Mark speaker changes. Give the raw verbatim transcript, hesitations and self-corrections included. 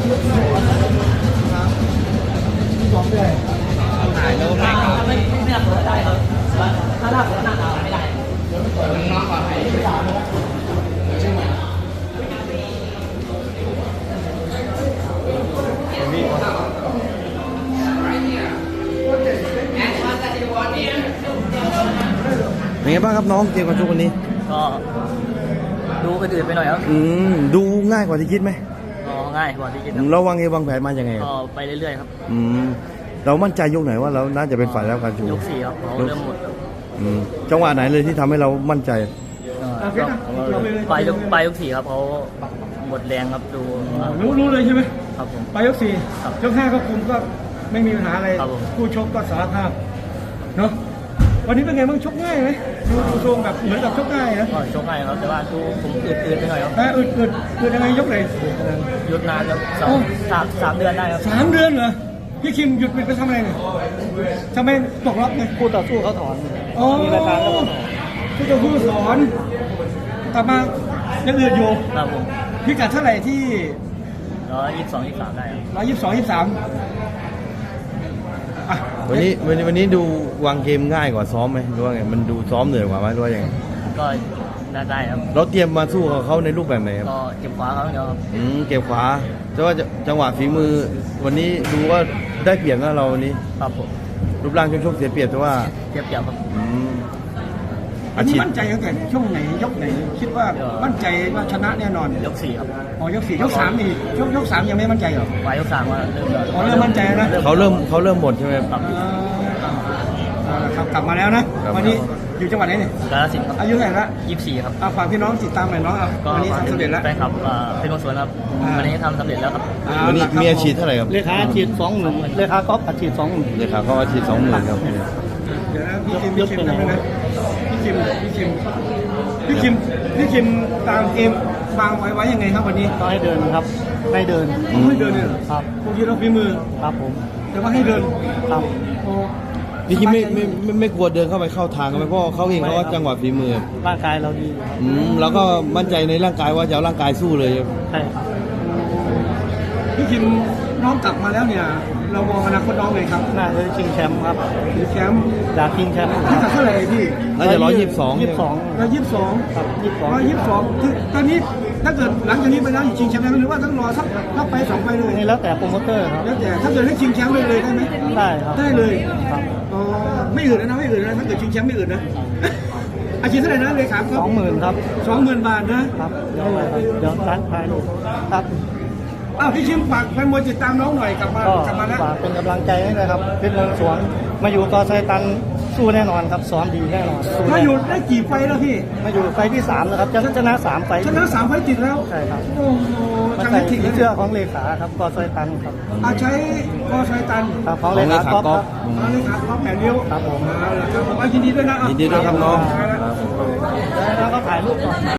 Speaker 1: ถ่ายรูปให้เขา
Speaker 2: ไม่ไม่รับได้ครับถ้ารับหน้าเราไม่ได้
Speaker 1: น้องๆก่อน
Speaker 3: เป็นไงบ้างครับน้องเกมการชกวันนี้
Speaker 2: ก็ดูกระดือไปหน่อยครับ
Speaker 3: อืมดูง่ายกว่าที่คิดไหม
Speaker 2: ก็ง่ายกว่าที่คิด
Speaker 3: เราวางเอวางแผนมาอย่างไง
Speaker 2: ก็ไปเรื่อยๆครับ
Speaker 3: อืมเรามั่นใจยกไหนว่าเราน่าจะเป็นฝ่ายแล้วการชู
Speaker 2: ยกสี่ครับเราเริ่มหมด
Speaker 3: อืมจังหวะไหนเลยที่ทำให้เรามั่นใจ
Speaker 2: ไปยกไปยกสี่ครับเขาหมดแรงครับดู
Speaker 4: รู้รู้เลยใช่ไหม
Speaker 2: ครับผม
Speaker 4: ไปยกสี่ยกห้าก็คุมก็ไม่มีปัญหาอะไรผู้ชกก็สารภาพเนาะวันนี้เป็นไงบ้างชกง่ายไหมดูทรงแบบเหมือนกับชกง่ายนะ
Speaker 2: ก็ชกง่ายครับแต่ว่าดูผมอืดๆไปหน่อยครับ
Speaker 4: แต่อืดอืดอืดยังไงยกเลย
Speaker 2: หยุดนานครับสามสามสามเดือนได้ครับ
Speaker 4: สามเดือนเหรอพี่คิมหยุดไปทำอะไรเนี่ยทำไมตกรอบไง
Speaker 2: คู่ต่อสู้เขาถอน
Speaker 4: มีรายการแล้วคู่ต่อสู้สอนกลับมายังอืดอยู่
Speaker 2: ครับผม
Speaker 4: พี่กัดเท่าไหร่ที่
Speaker 2: ร้อยยี่สิบสองยี่สิบสามได้
Speaker 4: ร้อยยี่สิบสองยี่สิบสาม
Speaker 3: วันนี้วันนี้วันนี้ดูวางเกมง่ายกว่าซ้อมไหมหรือว่าไงมันดูซ้อมเหนื่อยกว่าไหมหรือว่ายังไง
Speaker 2: ก็ได้ได้ครับ
Speaker 3: เราเตรียมมาสู้กับเขาในรูปแบบไหนครับ
Speaker 2: ก็เก็บขวาเขาเดียวครับ
Speaker 3: อืมเก็บขวาแต่ว่าจังหวะฝีมือวันนี้ดูว่าได้เปรียบนะเราวันนี้
Speaker 2: ครับผม
Speaker 3: รูปร่างชกเสียเปรียบแต่ว่า
Speaker 2: เสียเปรียบครับ
Speaker 3: อืม
Speaker 4: อันนี้มั่นใจตั้งแต่ช่วงไหนยกไหนคิดว่ามั่นใจว่าชนะแน่นอน
Speaker 2: ยกสี่ครับ
Speaker 4: อ๋อยกสี่ยกสามนี่ยกยกสามยังไม่มั่นใจเหรอ
Speaker 2: ไปยกสามว่าเริ่ม
Speaker 4: อ๋อเริ่มมั่นใจนะ
Speaker 3: เขาเริ่มเขาเริ่มหมดใช่ไหม
Speaker 2: ครับ
Speaker 4: ครับกลับมาแล้วนะวันนี้อยู่จังหวัดไหนเนี่ย
Speaker 2: กาฬสินธุ์ครับ
Speaker 4: อายุเท่าไหร่ละ
Speaker 2: ยี่สิบสี่ครับ
Speaker 4: ฝากพี่น้องติดตามหน่อยน้องวันนี้ทำสำเร็จแล้ว
Speaker 2: แฟนคลับเป็นคนสวนครับวันนี้ทำสำเร็จแล้วครับ
Speaker 3: วันนี้มีอาชีพเท่าไหร่ครับ
Speaker 4: เลขาอาชีพสองหมื่นเลขาก๊อฟอาชีพสองหมื่น
Speaker 3: เลขาก๊อฟอาชีพสองหมื่นครับ
Speaker 4: เดี๋ยวนะพี่คิมพี่คิมนะพี่คิมพี่คิมพี่คิมพี่คิมตามเกมวางไว้ไว้ยังไงครับวันนี้
Speaker 2: ก็ให้เดินครับให้เดิน
Speaker 4: ให้เดินเลย
Speaker 2: ครับ
Speaker 4: พวกที่เราฝีมือ
Speaker 2: ครับผม
Speaker 4: แต่ว่าให้เดิน
Speaker 2: ครับ
Speaker 3: พี่คิมไม่ไม่ไม่ไม่กลัวเดินเข้าไปเข้าทางกันไหมเพราะเขาเองเขาว่าจังหวะฝีมือ
Speaker 2: ร่างกายเราดี
Speaker 3: อืมแล้วก็มั่นใจในร่างกายว่าจะเอาร่างกายสู้เลย
Speaker 2: ใช่
Speaker 4: พี่คิมน้องกลับมาแล้วเนี่ยเรามองอนาคตน้องไงครับ
Speaker 2: น่าจะชิงแชมป์ครับ
Speaker 4: ชิงแชมป์
Speaker 2: อยากชิงแชมป์
Speaker 4: ถ้าเท่าไหร่พี่
Speaker 3: น่าจะร้อยยี่สิบสอง
Speaker 2: ยี่สิบสอง
Speaker 4: ร้อยยี่สิบสอง
Speaker 2: ครับยี่สิบสอง
Speaker 4: ร้อยยี่สิบสองคือตอนนี้ถ้าเกิดหลังจากนี้ไปแล้วชิงแชมป์ได้ไหมหรือว่าต้องรอสักสักไปสองไปเลย
Speaker 2: นี่แล้วแต่โปรโมเตอร์ครับ
Speaker 4: แล้วแต่ถ้าเกิดให้ชิงแชมป์เลยเลยได้ไหม
Speaker 2: ได้ครับ
Speaker 4: ได้เลยครับอ๋อไม่อื่นนะไม่อื่นนะถ้าเกิดชิงแชมป์ไม่อื่นนะอาชีพเท่าไหร่นะเลยครับ
Speaker 2: สองหมื่นครับ
Speaker 4: สองหมื่นบาทนะครับ
Speaker 2: เดี๋ยวเดี๋ยวร้านขายลูกครับ
Speaker 4: อ้าวพี่ชิมฝากแฟนมวยติดตามน้องหน่อยกลับมากลับมาแล้ว
Speaker 2: ฝากเป็นกำลังใจให้นะครับเป็นเมืองสวนมาอยู่กอไซตันสู้แน่นอนครับซ้อมดีแน่นอน
Speaker 4: มาอยู่ได้กี่ไฟแล้วพี่
Speaker 2: มาอยู่ไฟที่สามแล้วครับจะชนะสามไฟ
Speaker 4: ชนะสามไฟติดแล้ว
Speaker 2: ใช่ครับ
Speaker 4: โอ้โห
Speaker 2: มาใส่เสื้อของเลขาครับกอไซตันครับ
Speaker 4: อาใช้กอไซตัน
Speaker 2: ครับของเลขาก๊อฟครับ
Speaker 4: เลขาก๊อฟแผ่นเดียว
Speaker 2: ครับผม
Speaker 4: ครับผมยินดีด้วยนะ
Speaker 3: ยินดีด้วยครับน้อง
Speaker 2: แล้วก็ถ่ายรูปก่อน